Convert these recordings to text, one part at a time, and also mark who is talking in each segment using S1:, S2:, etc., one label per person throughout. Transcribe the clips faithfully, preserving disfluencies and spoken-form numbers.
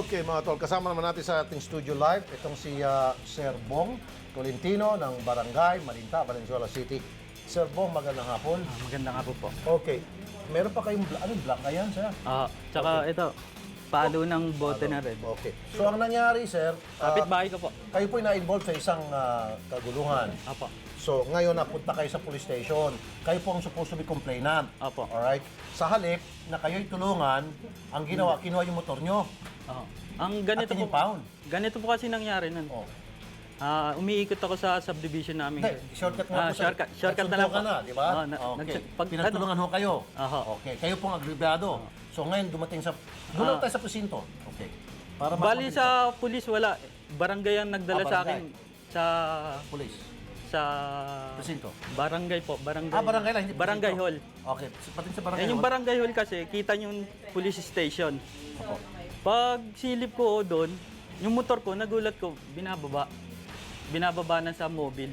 S1: Okay, mga tol, kasama naman natin sa ating studio live itong si uh, Sir Bong Tolentino ng Barangay Malinta, Valenzuela City. Sir Bong, magandang hapon.
S2: Ah, maganda nga po po.
S1: Okay, meron pa kayong, bla- anong black ayan, sir?
S2: Ah, tsaka ito, palo ng bote na rin.
S1: Okay. So, ang nangyari, sir, uh,
S2: Kapit-bahay ko po.
S1: kayo po'y na-involve sa isang uh, kaguluhan.
S2: Apo.
S1: So, ngayon napunta kayo sa police station. Kayo po ang supposed to be complainant.
S2: Apo.
S1: Alright? Sa halip na kayo'y tulungan, ang ginawa, kinuha yung motor nyo.
S2: Oo. Ang ganito
S1: At
S2: po,
S1: in-impound.
S2: ganito po kasi nangyari nun.
S1: Oh.
S2: Ah, umiikot ako sa subdivision namin.
S1: Hindi, shortcut nga
S2: Ah,
S1: po. sa-
S2: shortcut, shortcut na lang
S1: nagsundo ka
S2: po.
S1: na, di ba?
S2: Oo, na-
S1: okay.
S2: nagsu- pag-
S1: Pinagtulungan ho kayo.
S2: Aha.
S1: Okay. Kayo pong agribyado. So ngayon dumating sa... Doon
S2: Ah.
S1: tayo sa presinto. Okay. Para
S2: Bali
S1: mas-
S2: sa pulis, wala. Barangay ang nagdala
S1: Ah,
S2: sa
S1: barangay.
S2: akin sa
S1: Police.
S2: sa
S1: Presinto.
S2: barangay po, barangay.
S1: Ah, barangay lang, hindi
S2: Barangay
S1: presinto.
S2: hall.
S1: Okay. So, pati sa barangay
S2: Eh, yung
S1: hall.
S2: barangay hall kasi, kita yung police station.
S1: Opo.
S2: Pag silip ko doon, yung motor ko, nagulat ko, binababa. Binababa na sa mobile.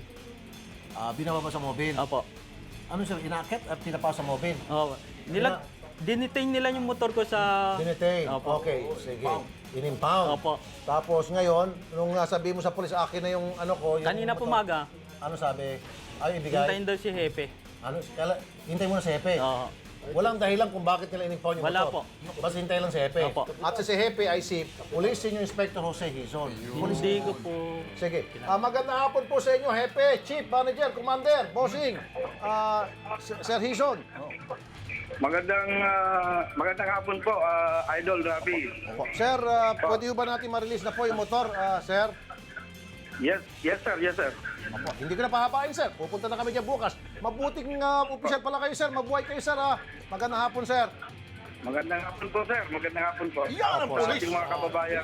S1: Ah, binaba sa mobile.
S2: Opo.
S1: Ano sir, inaakit at pinapa sa mobile?
S2: Oh, nila dinitain nila yung motor ko sa
S1: Dinetain.
S2: Opo.
S1: Okay, sige. In-impound.
S2: Opo.
S1: Tapos ngayon, nung uh, sabi mo sa police, akin na yung ano ko, yung
S2: Kanina
S1: motor.
S2: pumaga,
S1: Ano sabi? Ay, ibigay?
S2: hintayin daw si Hepe.
S1: Ano, kala, hintay mo na si Hepe.
S2: Oo.
S1: Walang dahilan kung bakit nila in-impound yung
S2: Wala
S1: motor.
S2: po.
S1: Basta hintay lang si Hepe.
S2: Opo.
S1: At si Hepe ay si Police Senior Inspector Jose Hizon. Police.
S2: Hindi ko po.
S1: Sige. Ah, magandang hapon po sa inyo, Hepe, Chief, Manager, Commander, Bossing, ah, Sir Sir Hizon.
S3: Magandang ah, magandang hapon po, ah, Idol Rafi.
S1: Opo. Sir, ah, pwede ba natin ma-release na po yung motor, ah, Sir?
S3: Yes, yes sir, yes sir.
S1: Opo. Hindi ko na pahabain, Sir. Pupunta na kami dyan bukas. Mabuting uh, opisyal pala kayo, Sir. Mabuhay kayo, Sir. Ah. Magandang hapon, Sir.
S3: Magandang hapon po, sir. Magandang hapon po.
S1: Yan ang
S3: Opo,
S1: police.
S3: sa ating mga kababayan.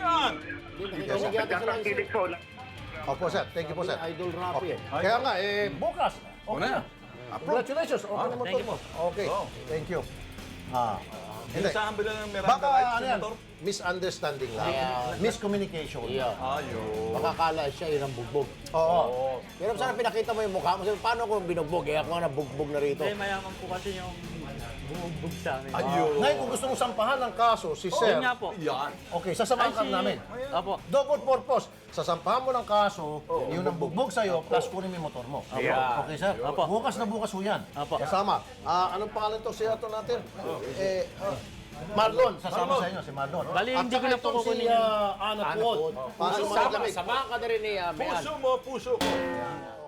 S3: Nagkakakilig po.
S1: Opo, Sir. Thank you po, Sir.
S4: Idol Rafi eh.
S1: Kaya nga, eh, bukas. Okay na. Ah, congratulations. Okay na motor
S2: thank you
S1: mo. Okay. Thank you. Ah.
S5: Hindi.
S1: Hindi.
S5: Saan bila ng Miranda
S1: Baka,
S5: rights
S1: ano
S5: yung
S1: yan,
S5: motor?
S1: misunderstanding lang.
S4: Ayan.
S1: Miscommunication.
S4: Iya.
S5: Ayun.
S4: Makakala siya yun ang bugbog.
S1: Oo.
S4: Pero sana pinakita mo yung mukha mo. Sabi, paano kung binugbog? Eh, ako nga nabugbog na rito.
S2: Eh, mayaman po kasi yung bumugbog sa amin.
S5: Ayun.
S1: Ngayon, kung gusto mong sampahan ng kaso, si Sir,
S2: Yun nga po.
S5: Yan.
S1: okay, sasamahan
S2: Ay,
S1: ka
S2: si-
S1: namin.
S2: Opo.
S1: Double purpose. Sasampahan mo ng kaso, yun ang bugbog sa'yo, plus kunin mo yung motor mo.
S3: Yeah.
S1: Okay, sir?
S2: Opo.
S1: Bukas na bukas ho yan.
S2: Opo.
S1: Kasama. Ah, anong pangalan to siya to natin? Eh, ah, Marlon, sasama sa inyo, si Marlon.
S2: Bali,
S1: At
S2: hindi ko
S1: saka
S2: na po
S1: itong
S2: kukunin
S1: si
S2: yun.
S1: uh, Anat
S4: Anat
S1: Wood.
S4: Wood.
S1: Pasok mo
S4: Sama,
S1: lamig.
S4: samahan ka na rin ni uh, Mayan.
S5: Puso mo, puso ko.